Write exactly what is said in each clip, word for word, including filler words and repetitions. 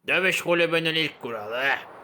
Dövüş kulübünün ilk kuralı.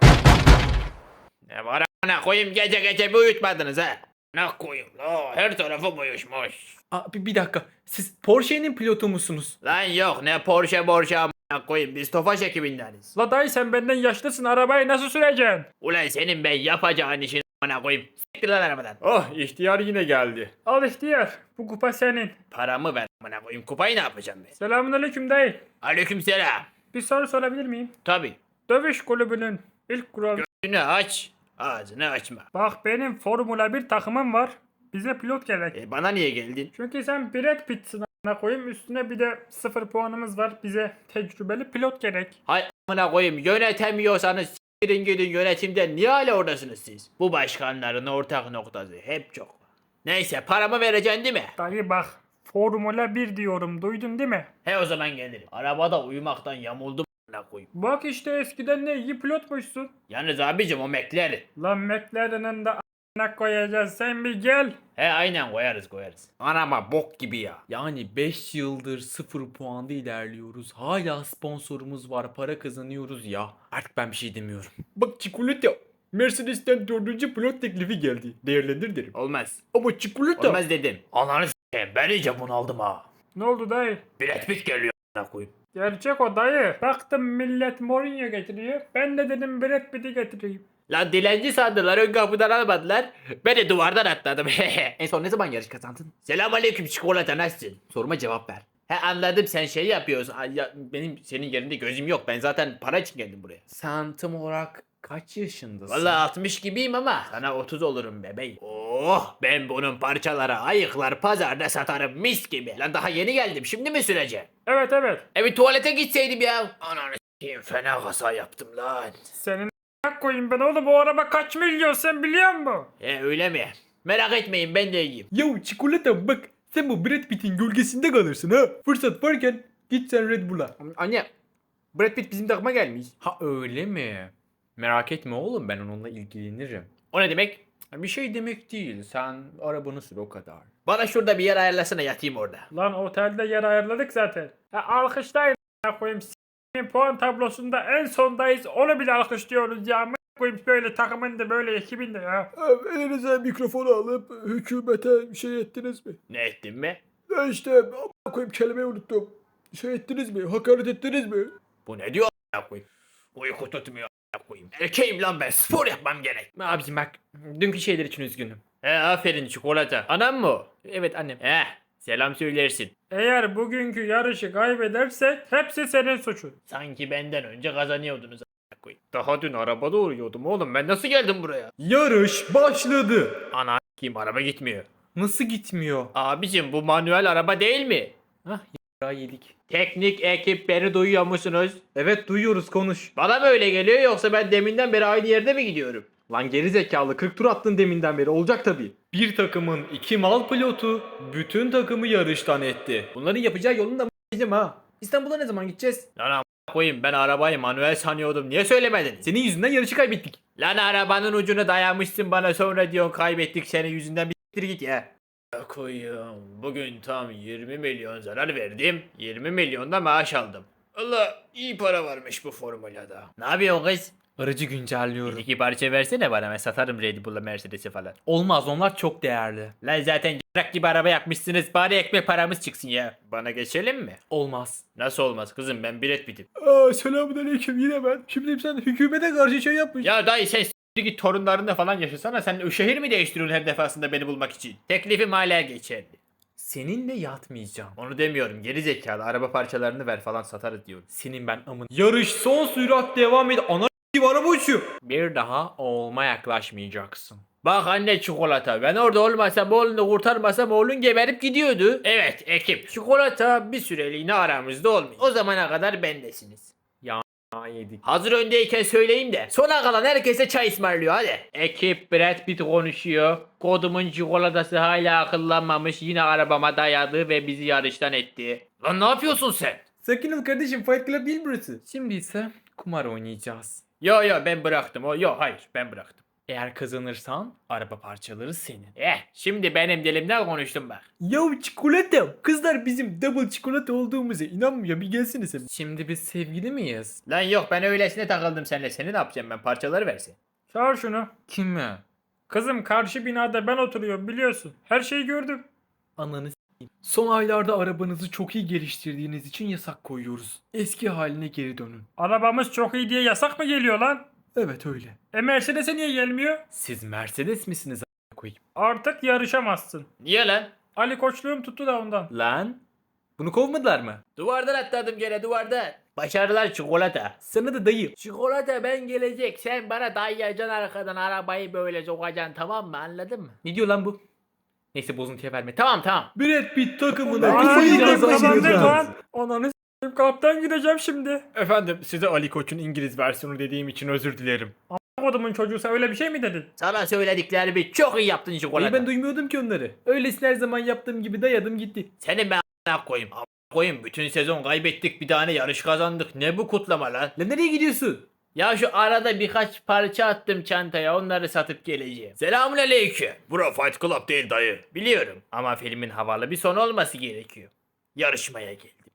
Ne var ana koyayım, gece gece bir uyutmadınız ha. Ne koyayım la, her tarafım uyuşmuş. Aa, bir, bir dakika. Siz Porsche'nin pilotu musunuz? Lan yok, ne Porsche Porsche amına koyayım, biz Tofaş ekibindeniz. La dayı sen benden yaşlısın. Arabayı nasıl süreceksin? Ulan senin ben yapacağın işin amına koyayım. Siktir lan arabadan. Oh ihtiyar yine geldi. Al ihtiyar. Bu kupa senin. Paramı ver amına koyayım, kupayı ne yapacağım ben? Selamünaleyküm dayı. Aleykümselam. Bir soru sorabilir miyim? Tabi. Dövüş kulübünün ilk kuralı. Gözünü aç, ağzını açma. Bak benim Formula bir takımım var. Bize pilot gerek. E, bana niye geldin? Çünkü sen Brad Pitt'sin a**ına koyayım. Üstüne bir de sıfır puanımız var. Bize tecrübeli pilot gerek. Hay amına koyayım, yönetemiyorsanız s**tirin gidin yönetimden, niye hala oradasınız siz? Bu başkanların ortak noktası hep çok. Neyse, paramı vereceksin değil mi? Dayı bak. Formula bir diyorum. Duydun değil mi? He, o zaman gelirim. Arabada uyumaktan yamuldum amına koyayım. Bak işte eskiden ne iyi pilotmuşsun. Yalnız abicim, o McLaren. Lan McLaren'ın da a**ına koyacağız. Sen bir gel. He aynen, koyarız koyarız. Araba bok gibi ya. Yani beş yıldır sıfır puanda ilerliyoruz. Hala sponsorumuz var, para kazanıyoruz ya. Artık ben bir şey demiyorum. Bak çikolata. Mercedes'ten dördüncü pilot teklifi geldi. Değerlendir derim. Olmaz. Ama çikolata. Olmaz dedim. Ananı s**eyim, ben iyice bunaldım ha. Ne oldu dayı? Brad Pitt geliyor amına koyayım. Gerçek o dayı. Baktım millet Mourinho getiriyor. Ben de dedim Brad Pitt'i getireyim. Lan dilenci sandılar, ön kapıdan almadılar. Ben de duvardan atladım. En son ne zaman yarış kazandın? Selamünaleyküm çikolata, nasılsın? Soruma cevap ver. He anladım, sen şey yapıyorsun. Ay, ya, benim senin yerinde gözüm yok. Ben zaten para için geldim buraya. Sen tam olarak kaç yaşındasın? Vallahi altmış gibiyim ama sana otuz olurum bebeğim. Oh, ben bunun parçalara ayıklar pazarda satarım mis gibi. Lan daha yeni geldim, şimdi mi süreceğim? Evet evet. E bir tuvalete gitseydim ya. Ananı s**eyim, fena kasa yaptım lan. Senin a**ına koyayım ben oğlum, o araba kaç milyon sen biliyor musun? E öyle mi? Merak etmeyin, ben de iyiyim. Ya çikolata bak, sen bu Brad Pitt'in gölgesinde kalırsın ha. Fırsat varken git sen Red Bull'a. Anne, Brad Pitt bizim takıma gelmiş. Ha öyle mi? Merak etme oğlum, ben onunla ilgilenirim. O ne demek? Bir şey demek değil, sen arabanı sür o kadar. Bana şurada bir yer ayarlasana, yatayım orada. Lan otelde yer ayarladık zaten. Ha, alkışlayın a**ına koyayım. S***in puan tablosunda en sondayız. Onu bile alkışlıyoruz ya. A**ına koyayım böyle takımın da böyle ekibin de ya. Elinize mikrofonu alıp hükümete şey ettiniz mi? Ne ettin be? Ya işte a**a koyayım, kelimeyi unuttum. Şey ettiniz mi? Hakaret ettiniz mi? Bu ne diyor a**a koyayım? Uyku tutmuyor a**a koyayım. Erkeğim lan ben, spor yapmam gerek. Abicim bak, dünkü şeyler için üzgünüm. He aferin çikolata. Anam mı o? Evet annem. He, selam söylersin. Eğer bugünkü yarışı kaybedersek hepsi senin suçun. Sanki benden önce kazanıyordunuz a**a koyayım. Daha dün arabada uğruyordum oğlum, ben nasıl geldim buraya? Yarış başladı. Ana kim, araba gitmiyor. Nasıl gitmiyor? Abicim bu manuel araba değil mi? Hah ya yedik. Teknik ekip, beni duyuyor musunuz? Evet duyuyoruz, konuş. Bana mı öyle geliyor, yoksa ben deminden beri aynı yerde mi gidiyorum? Lan geri zekalı, kırk tur attın deminden beri, olacak tabii. Bir takımın iki mal pilotu bütün takımı yarıştan etti. Bunların yapacağı yolunu da m***eceğim ha. İstanbul'a ne zaman gideceğiz? Lan a**a koyayım, ben arabayı manuel sanıyordum, niye söylemediniz? Senin yüzünden yarışı kaybettik. Lan arabanın ucunu dayamışsın bana, sonra diyorsun kaybettik senin yüzünden, bir s**tir git ya. Koyum, bugün tam yirmi milyon zarar verdim, yirmi milyon da maaş aldım. Allah, iyi para varmış bu formülada. Ne yapıyorsun kız? Aracı güncelliyorum. İki parça versene bana, ben satarım Red Bull'la Mercedes'i falan. Olmaz, onlar çok değerli. Lan zaten c**rak gibi araba yakmışsınız, bari ekmek paramız çıksın ya. Bana geçelim mi? Olmaz. Nasıl olmaz kızım, ben Brad Pitt'im. Aa, selamünaleyküm, yine ben. Şimdi sen hükümete karşı şey yapmış. Ya dayı sen s**tir git, torunlarınla falan yaşasana, sen şehir mi değiştiriyorsun her defasında beni bulmak için? Teklifim hala geçerli. Seninle yatmayacağım. Onu demiyorum, geri zekalı, araba parçalarını ver falan satarız diyorum. Senin ben amın. Yarış son sürat devam ediyor. Ana gibi araba uçuyor. Bir daha olma yaklaşmayacaksın. Bak anne çikolata, ben orada olmasam, oğlunu kurtarmasam oğlun geberip gidiyordu. Evet ekip, çikolata bir süreliğine aramızda olmuyor. O zamana kadar bendesiniz. Ha yedik. Hazır öndeyken söyleyeyim de sona kalan herkese çay ısmarlıyor hadi. Ekip, Brad Pitt konuşuyor. Kodumun çikolatası hala akıllanmamış, yine arabama dayadı ve bizi yarıştan etti. Lan ne yapıyorsun sen? Sakin ol kardeşim, Fight Club değil burası. Şimdi ise kumar oynayacağız. Yo yo, ben bıraktım. O yo, hayır, ben bıraktım. Eğer kazanırsan araba parçaları senin. Eh şimdi benim dilimden konuştum bak. Ya çikolata. Kızlar bizim double çikolata olduğumuza inanmıyor. Bir gelsene sen. Şimdi biz sevgili miyiz? Lan yok ben öylesine takıldım seninle. Seni ne yapacağım ben parçaları versin. Çağır şunu. Kimi? Kızım karşı binada ben oturuyorum biliyorsun. Her şeyi gördüm. Ananı s**eyim. Son aylarda arabanızı çok iyi geliştirdiğiniz için yasak koyuyoruz. Eski haline geri dönün. Arabamız çok iyi diye yasak mı geliyor lan? Evet öyle. E Mercedes'e niye gelmiyor? Siz Mercedes misiniz a**a koyayım? Artık yarışamazsın. Niye lan? Ali koçluğum tuttu da ondan. Lan? Bunu kovmadılar mı? Duvardan atladım gene duvardan. Başarılar çikolata. Sana da dayı. Çikolata ben gelecek. Sen bana dayayacaksın arkadan arabayı böyle sokacaksın tamam mı anladın mı? Ne diyor lan bu? Neyse bozuntuya verme. Tamam tamam. Brad Pitt takımına Aa, kafayı yine kazanacağız. kazandık lan. Ananı s**eyim kaptan gideceğim şimdi. Efendim size Ali Koç'un İngiliz versiyonu dediğim için özür dilerim. Kodumun çocuğu sen öyle bir şey mi dedin? Sana söylediklerimi çok iyi yaptın çikolata. İyi ben duymuyordum ki onları. Öylesine her zaman yaptığım gibi dayadım gitti. Senin ben a**ına koyayım. A**ına koyayım bütün sezon kaybettik bir tane yarış kazandık. Ne bu kutlama lan? Lan nereye gidiyorsun? Ya şu arada birkaç parça attım çantaya onları satıp geleceğim. Selamun aleyküm. Bura Fight Club değil dayı. Biliyorum ama filmin havalı bir sonu olması gerekiyor. Yarışmaya geldim.